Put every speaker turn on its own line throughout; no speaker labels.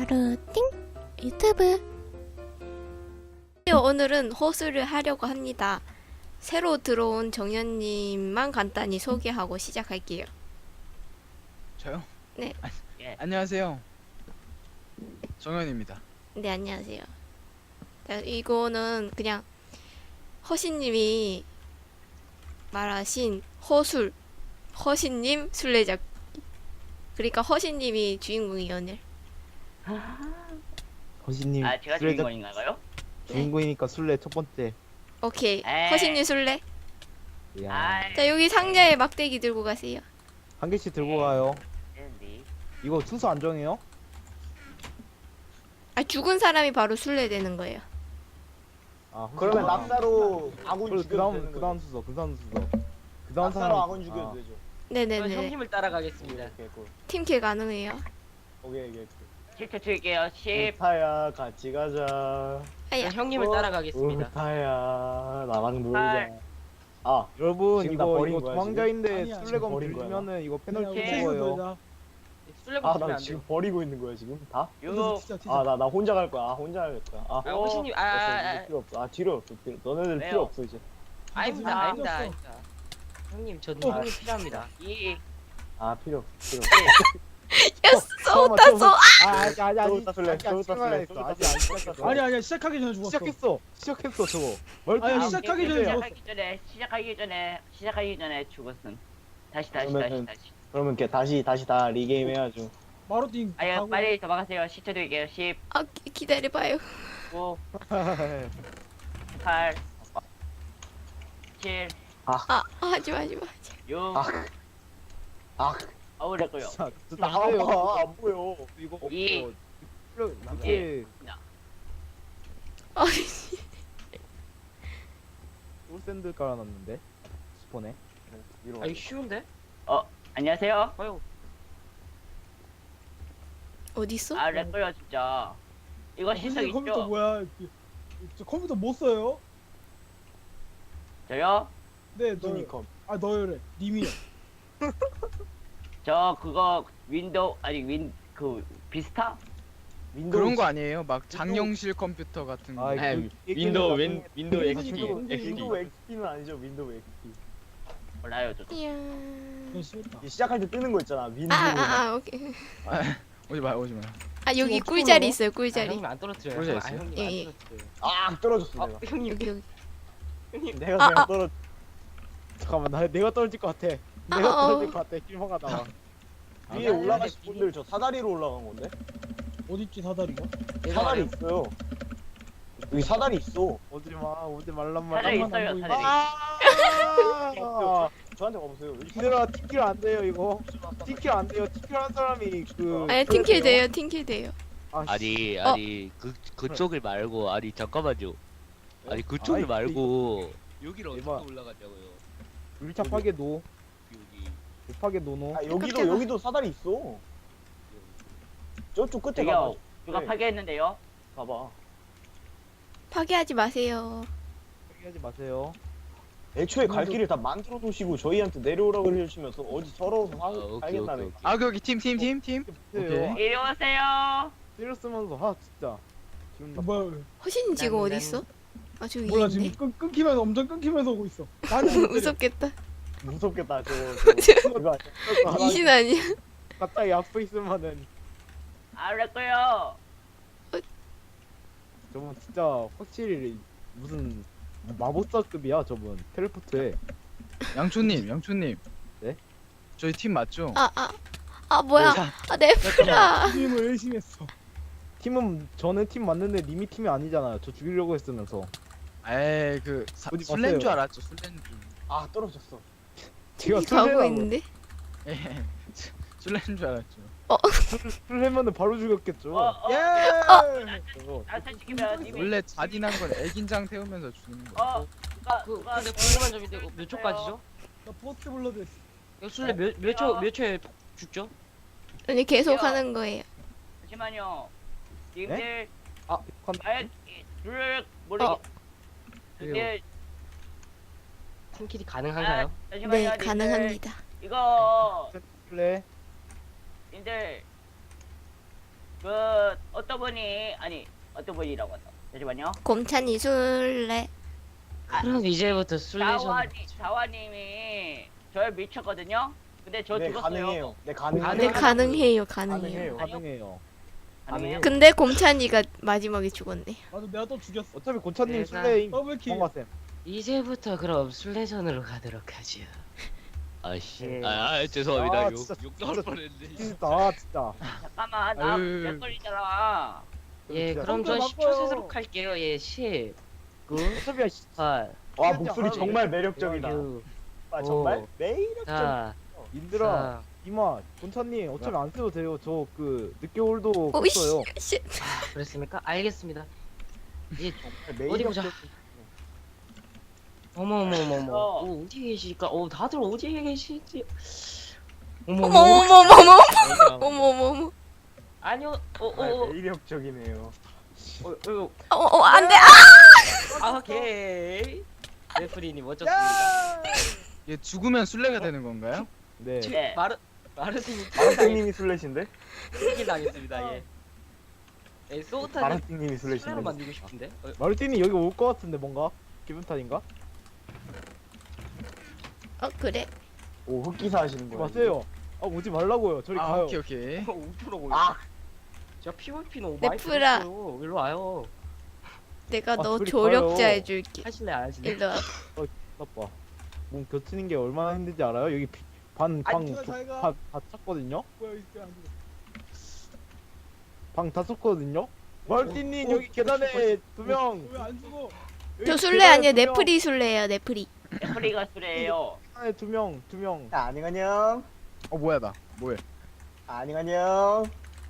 마루띵 유튜브. 오늘은 호수를 하려고 합니다. 새로 들어온 정현님만 간단히 소개하고 시작할게요.
저요?
네.
예.
안녕하세요. 정현입니다.
네, 안녕하세요. 자, 이거는 그냥 허신님이 말하신 허술, 허신님 술래잡기. 그러니까 허신님이 주인공이에요, 오늘.
허신님
아, 제가
술래
주인공인가요?
주인공이니까 술래 첫 번째.
오케이.
에이.
허신님 술래.
야,
아,
자, 여기 상자에 막대기 들고 가세요.
한 개씩 들고 가요.
네.
이거 순서 안 정해요?
아, 죽은 사람이 바로 술래 되는 거예요.
아,
그러면
아,
낙사로 아군
그럼
죽여도 되는
그다음
거죠?
순서, 그다음 순서. 그다음
낙사로
사람
아군 죽여도 되죠?
네네네.
형님을 따라가겠습니다.
오케이 굿.
팀킬 가능해요.
오케이 굿.
10초 줄게요. 10.
우타야 같이 가자.
아야.
형님을 따라가겠습니다.
우타야 나랑 놀자.
팔.
아
여러분
지금 나
이거
버린
이거
거야,
도망자인데
지금?
술래검
버린 거야,
들리면은 이거 페널티
오케이.
먹어요.
술래고
아
주면
나
안
지금
돼요.
버리고 있는 거야 지금 다?
6.
아 나 혼자 갈 거야. 아 혼자 갈 거야. 아
아, 호신님,
됐어, 이제 필요 없어. 아 뒤로 없어. 뒤로. 너네들
왜요?
필요 없어 이제.
아닙니다,
아,
아닙니다, 아닙니다. 형님, 저
아.
형님 필요합니다.
2.
아 필요 없어. 필요
야, 쏘다 쏘.
아직
쏘다 술래, 쏘다 술래,
아직 안 시작했어.
아니야 시작하기 전에 죽었어.
시작했어 저거.
아니,
멀티
시작하기 전에 죽었어.
시작하기 전에 죽었음. 다시.
그러면은- 그러면 걔 다시 다 리게임 해야죠.
마루띵
아유,
하고
빨리 도망가세요. 10초 드릴게요. 10,
아, 기다려봐요.
9, 8, 7,
아, 하지마.
6.
아
어우랬고요.
나와봐 안 보여.
이거
이.
이게
아,
솔샌드 깔아놨는데 스폰에.
위로
아, 이거 쉬운데?
안녕하세요.
아유,
어딨어?
아, 랬고요 진짜. 이거 신석
선생님 컴퓨터
있죠?
뭐야? 저 컴퓨터 못 써요?
저요?
네, 너.
유니컴.
아, 너요래. 님이요.
저 그거 윈도우 그 비스타?
그런 거 아니에요? 막 장영실 컴퓨터 같은 거.
아,
윈도우
윈도우
XP.
XP.
윈도우 XP는 아니죠. 윈도우 XP.
몰라요 저도.
이야.
그건 싫다.
이 시작할 때 뜨는 거 있잖아. 윈도우.
오케이.
오지 마.
아, 여기
어떻게
꿀자리
올라가?
있어요,
아,
꿀자리.
형님 안 떨어뜨려요.
그러지
아,
않았어요?
형님
예,
안
예.
떨어뜨려요.
아 떨어졌어
아,
내가.
형님,
여기.
내가 그냥 떨어.
잠깐만 내가 떨어질 것 같아.
아,
내가
어.
떨어질 것 같아. 길마가 나와.
위에 올라가신 분들 저 사다리로 올라간 건데?
어딨지 사다리가?
사다리 있어요. 여기 사다리 있어.
오지 말란
사다리
말이야.
잠깐만,
있어요
안
사다리.
저한테 와보세요.
얘들아 티킬 안 돼요 이거. 티킬 안 돼요. 티킬 한 사람이 그.
아니, 팀킬 돼요, 팀킬 돼요.
씨.
아니 그쪽을 말고 아니 잠깐만요. 아니 그쪽을
아이,
말고 여기를
이봐.
어떻게 올라가냐고요.
밀착하게 놓.
여기
급하게 놓노.
아 여기도
깜짝아.
여기도 사다리 있어. 저쪽 끝에
저기요.
가봐.
누가
네.
파괴했는데요?
봐봐.
파괴하지 마세요.
하지 마세요.
애초에 갈 길을 다 만들어 놓으시고 저희한테 내려오라고 해주시면서 어디 서러워서
오케이,
살겠다는.
오케이.
아, 여기 팀.
보세요.
이리 오세요.
때려 쓰면서 아 진짜. 기분 나빠.
뭐야?
허신이 지금
난-
어디 있어? 아, 저기
몰라
있네.
지금 끊기면서 엄청 끊기면서 오고 있어. 나는 못 때려.
무섭겠다.
무섭겠다 저거. 이거 아니야?
이신 아니야?
갑자기 앞에 있으면은
아, 랬고요.
저분 진짜 확실히 무슨 마법사급이야 저분. 텔레포트에.
양초님.
네?
저희 팀 맞죠?
뭐야? 아, 내 프라.
님을 열심히 했어.
팀은 저는 팀 맞는데 님이 팀이 아니잖아요. 저 죽이려고 했으면서.
에이
어디
술래인 줄
봤어요?
알았죠. 술래인 줄.
아 떨어졌어.
제가
가고
술래라고.
있는데?
예. 술래인 줄 알았죠.
술래면은 바로 죽였겠죠. 저거.
나한테 시키면 님이.
원래 잔인한 건 애긴장 태우면서 죽이는 거.
근데 궁금한 점인데 이거 몇 초까지죠?
나 포스트 블러드 했어.
이거 술래 몇 초에 죽죠?
아니, 계속
야.
하는 거예요.
잠시만요. 님들
아
아예 둘 모르.
어.
님들
팀킬이 가능한가요?
잠시만요.
네,
님들.
가능합니다.
이거
술래.
님들 그 어떤 분이 아니 어떤 분이라고 한다. 잠시만요.
곰찬이 술래.
그럼 이제부터 술래전.
자화님이 저를 미쳤거든요. 근데 저
네
죽었어요.
가능해요. 네 가능해요.
네, 가능해요, 가능해요.
가능해요.
가능해요.
가능해요?
근데 곰찬이가 마지막에 죽었네.
맞아, 내가 또 죽였어.
어차피 고찬님
네,
술래임.
더블킬.
뭔가 쌤.
이제부터 그럼 술래전으로 가도록 하죠.
아씨.
예.
죄송합니다.
아,
욕
진짜,
나올
진짜.
뻔했네.
진짜 진짜.
잠깐만
아유.
나몇 걸리잖아.
예,
진짜.
그럼 전
성격
10초
바꿔요.
세도록 할게요. 예, 10, 9,
어차피
8,
와 목소리 정말 매력적이다.
6,
아 정말
오.
매력적.
4,
인들아
3.
이마 곤찬님 어차피 안 써도 돼요. 저 그 늦겨울도
오이
컸어요.
씨.
그랬습니까? 알겠습니다. 예,
정말
어디 보자.
매력적.
어머머머머. 오, 어디 계실까? 다들 어디에 계시지? 어머,
어머 어머 어머 어머
어머.
어머 어머 어머.
아니요.
정말 매력적이네요.
안돼.
오케이. 레프리님 멋졌습니다.
얘 죽으면 술래가 되는 건가요?
네.
네.
마르틴이
마르팅님이 술래신데?
킬 당했습니다. 예. 예, 소타는
마르팅님이
술래로
술래신데?
만들고 싶은데.
마르틴이 여기 올 것 같은데 뭔가 기분 탓인가?
그래.
오 흑기사 하시는
오지
거예요?
마세요. 아 오지 말라고요. 저리
아
가요.
오케이 오케이.
우프로
아
제가 PVP는
네,
많이
프라.
들었어요. 일로 와요.
내가 너
둘이
조력자
가요.
해줄게.
하실래 안 하실래?
일로 와.
나빠. 몸 겹치는 게 얼마나 힘든지 알아요? 여기 방다
자기가-
찼거든요.
뭐야, 이 새끼 안 죽어.
방 다 찼거든요. 마르틴님 여기 계단에 두 명.
왜안 죽어?
저 술래 아니야. 네프리 술래야. 네프리.
애플리가 술래예요.
계단에 두 명.
안녕.
뭐야 나 뭐해?
안녕.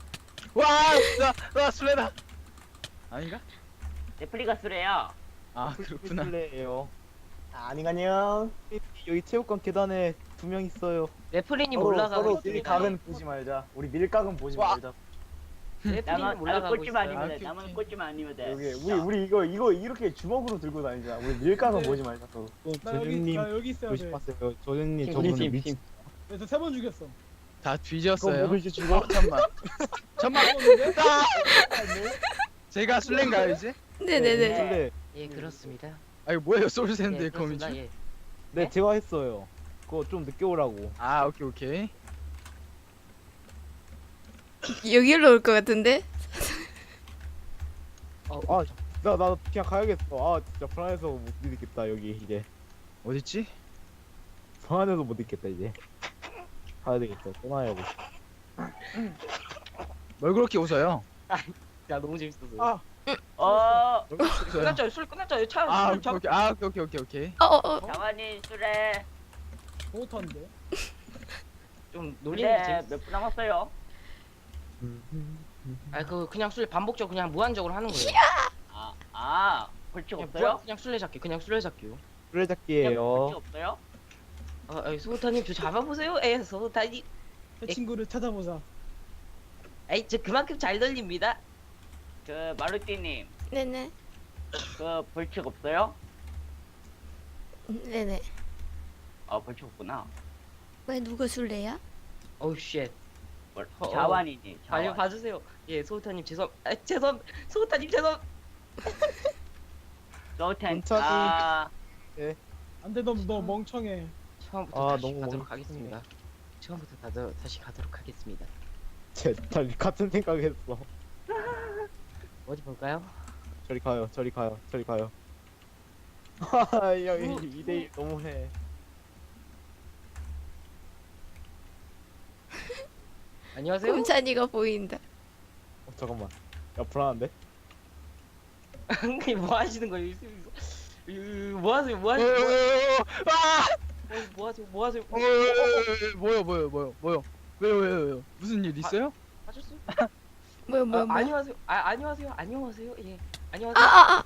와 술래다. 아닌가?
애플리가 술래야.
아 그렇구나.
술래예요.
안녕.
여기 체육관 계단에 두 명 있어요.
레프리님
서로
올라가고 있습니다.
밀각은 보지 말자. 우리 밀각은 보지
와.
말자.
레프리님
나만
올라가고
꼴찌만
있어요.
아니면 돼.
오케이,
나만
오케이.
꼴찌만 아니면 돼.
여기 우리 이거 이렇게 주먹으로 들고 다니자. 우리 밀각은
네.
보지 말자. 서로.
조준님
나 여기 있어야 돼.
조심하세요. 조준님
팀,
저분은
팀,
미친.
팀.
그래서 3번 죽였어.
다 뒤졌어요.
그럼 이제 죽어?
잠만.
죽었는데?
제가 술래인가요 이제?
네네네.
술래.
예, 그렇습니다.
아 이거 뭐예요
예,
소울샌드의
그렇습니다.
거미줄?
예.
네 제가 했어요. 그거 좀 늦게 오라고.
아 오케이.
여기로 올 것 같은데?
나 그냥 가야겠어. 아 진짜 불안해서 못 있겠다 여기 이제.
어딨지?
불안해서 못 있겠다 이제. 가야 되겠어. 떠나야고.
뭘 그렇게 웃어요?
야, 너무 재밌었어요.
아.
어,
뭘 그렇게 웃어요?
끝났죠? 술 끝났죠? 차,
아
술 잡.
오케이. 아 오케이.
자환이 술래.
못한데.
좀 놀리는 게
근데
재밌어.
몇 분 남았어요?
그냥 술 반복적으로 그냥 무한적으로 하는 거예요.
벌칙
그냥
없어요?
그냥 술래잡기요.
술래잡기예요.
벌칙 없어요?
소타님 저 잡아보세요. 소타님.
내 친구를 찾아보자.
저 그만큼 잘 들립니다.
그 마루띠님,
네네.
그 벌칙 없어요?
네네.
벌칙 없구나.
왜 누가 술래야?
어우 쉣.
자환이니.
빨리
자환.
봐주세요. 예, 소타님 소타님 죄송.
너텐.
천천히.
안 돼, 너 멍청해.
처음부터
아,
다시
너무
가도록
멍청해.
하겠습니다. 처음부터 다시 가도록 하겠습니다.
다 같은 생각했어.
어디 볼까요?
저리 가요. 하하 여기 2대1 너무해.
안녕하세요.
곰찬이가 보인다.
잠깐만. 야 불안한데?
형님 뭐 하시는 거예요? 뭐 하세요?
아! 뭐요? 왜요? 무슨 일 있어요?
하셨어요?
뭐야.
안녕하세요. 안녕하세요. 예. 안녕하세요.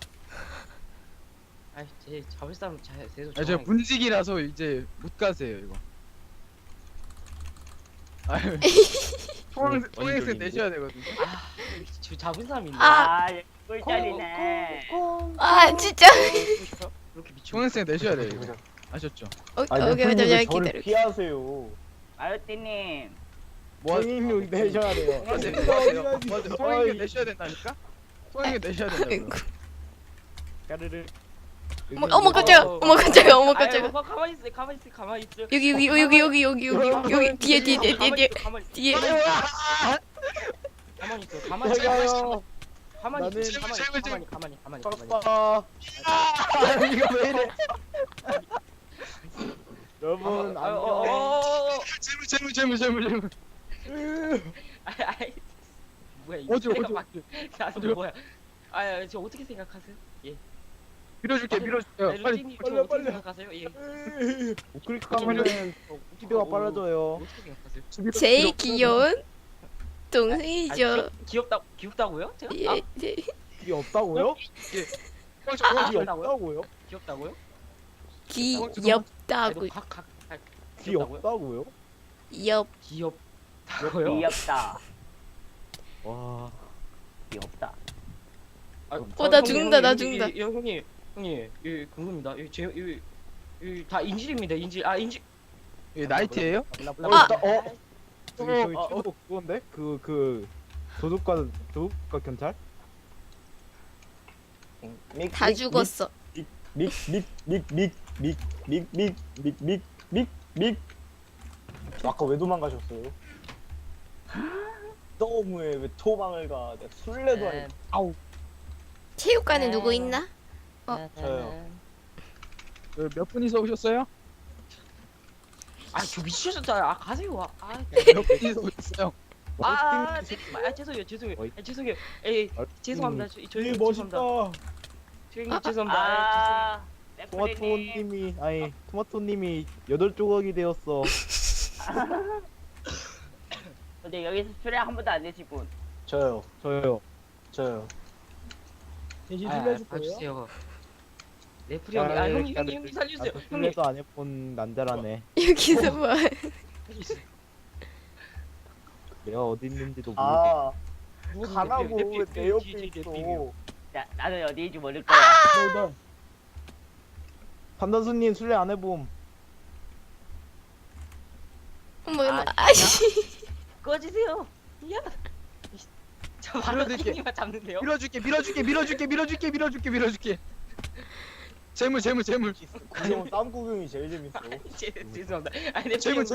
제 잡을 사람 제대로
저 문직이라서 이제 못 가세요 이거. 아유. 통행세
원인적인데?
내셔야 되거든요.
저 잡은 사람이 있네.
얘 꿀짜리네.
진짜.
그렇게 미쳐.
통행세 내셔야 돼요 이거. 아셨죠?
아니
오케이,
래프님 왜
잠시만
저를
기다려.
피하세요?
마루띠님,
뭐
성인용 내셔야 돼요.
맞아요.
어디,
맞아요.
어디.
성인이 내셔야 된다니까. 성인이 내셔야 된다고.
아이고.
까르르.
어머 깜짝이야. 어머 깜짝이야. 어머
아유,
깜짝이야.
뭐, 가만히 있어, 가만히 있어, 가만히 있어.
여기 뒤에 뒤에.
가만히 있어,
뒤에.
가만히 있어, 가만히 있어,
내가요.
가만히
나는
있어, 가만히.
아빠. 이거 왜 이래? 여러분 안녕.
재물.
아이, 뭐야 이거?
어디
내가 막-
어디.
나도 뭐야? 아, 저 어떻게 생각하세요? 예.
밀어줄게. 빨리.
루틴님 저 어떻게 생각하세요? 예.
우클릭하면은 스피드가 빨라져요.
어떻게 생각하세요?
제일 귀여운 동생이죠.
귀엽다고요? 제가?
예. 예.
그게 없다고요? 그게 없다고요?
귀엽다고요?
귀엽다고.
그게
귀엽다고요?
없다고요?
귀엽다고요?
귀엽다.
와.
귀엽다.
나 죽는다, 나 죽는다.
형님, 예, 그겁니다. 다 인질입니다. 인질.
이 나이트예요?
저기 최고 그건데? 그 도둑과 경찰?
다 죽었어.
믹. 아까 왜 도망가셨어요? 너무해 왜 도망을 가? 내가 술래도 아니고. 아우.
체육관에 누구 있나?
저요.
몇 분이서 오셨어요?
저 미치셨잖아요. 가세요.
몇 분이서 오셨어요?
죄송해요. 에이, 죄송합니다.
되게
저희
멋있다.
죄송합니다.
네,
토마토님이 8조각이 되었어.
근데 여기서 술래 한 번도 안 내실 분.
저요.
저요.
대신 술래줄 거예요?
봐주세요. 레프리 형님, 형님 살려주세요. 형님.
술래도 안 해본 남자라네.
여기서 뭐?
내가 어디 있는지도 모르겠.
아
누구
가라고
레프리,
왜 내 옆에
뒤에
있어?
레프리요.
나는 어디인지 모를 거야.
너
판단수님 술래 안 해봄.
어머
아,
아씨.
꺼지세요. 야. 저 바로
밀어드릴게.
형님만 잡는데요.
밀어줄게. 재물.
그냥 땀 구경이 제일 재밌어.
죄송합니다. 아니 레프리
재물.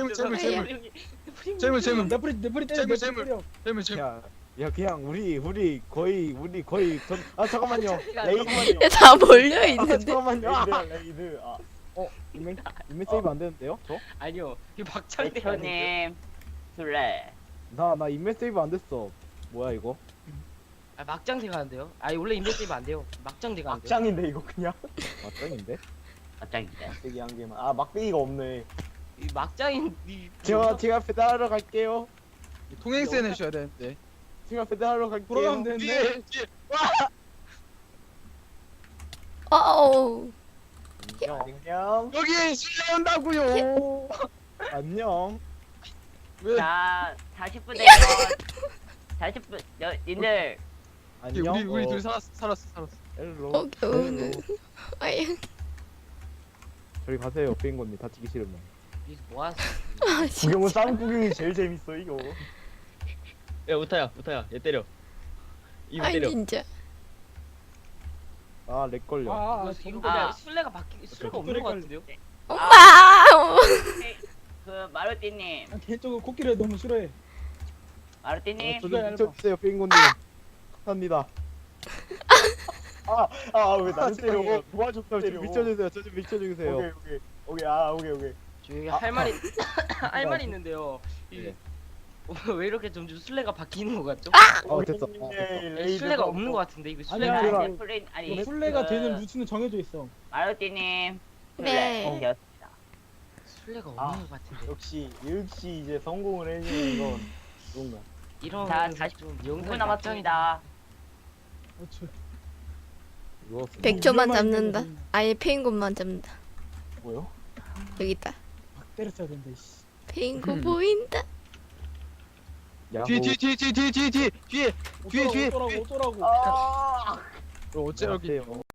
네프리 때려.
재물.
때려.
재물.
야 그냥 우리 거의 잠깐만요.
레이드만요.
다 몰려 있는데.
잠깐만요.
레이드.
인맥 세이브 안 되는데요? 저?
아니요. 이 막장대 아니에요.
백현님 술래.
나 인맥 세이브 안 됐어. 뭐야 이거?
막장대 가는데요. 원래 인벤 세이브 안 돼요. 막장대 가는데요.
막장인데 이거 그냥.
맞짱인데?
갑자기인데.
막대기 한 개만. 아 막대기가 없네.
이 막장인
제가 배달하러 갈게요.
통행세 내셔야 되는데.
제가 배달하러 갈게요.
돌아가면 되는데.
뒤에.
어어.
안녕.
여기 술래 온다고요.
안녕.
왜?
자 40분 되면 40분 님들
안녕.
우리 둘 살았어.
헬로.
오케이. 아유.
저리 가세요, 페인건님. 다치기 싫으면.
여기서 뭐 하세요?
아 진짜.
구경은 땀 구경이 제일 재밌어 이거.
야 우타야 얘 때려. 이거
아니
때려.
진짜.
렉 걸려.
이거
아.
그냥 술래가 없는 것 같은데요?
엄마.
그 마루띠님
개인적으로 코끼리를 너무 싫어해.
마루띠님
저좀
얇아.
비춰주세요, 페인건님. 감사합니다.
왜 나를 때려? 도와줘
저
때려.
좀 비춰주세요. 저 좀 비춰주세요.
오케이. 오케이.
저 여기 할 말이 있는데요.
네.
왜 이렇게 점점 술래가 바뀌는 것 같죠?
됐어.
술래가 없는 것 같은데 이거 술래가
아니야.
아니야.
아니 플레인 아니
술래가
그
되는 루트는 정해져 있어.
마루띠님
네.
술래 되었습니다.
술래가 없는 것 같은데
역시 이제 성공을 해주는 건 뭔가.
이런
자,
좀
9분 남았습니다.
이거
100초만 잡는다. 아예 페인곤만 잡는다.
뭐요?
여기 있다.
막 때렸어야 된다. 씨.
페인곤 보인다.
야호.
뒤에.
어쩌라고.
어째 여기.
안녕하세요.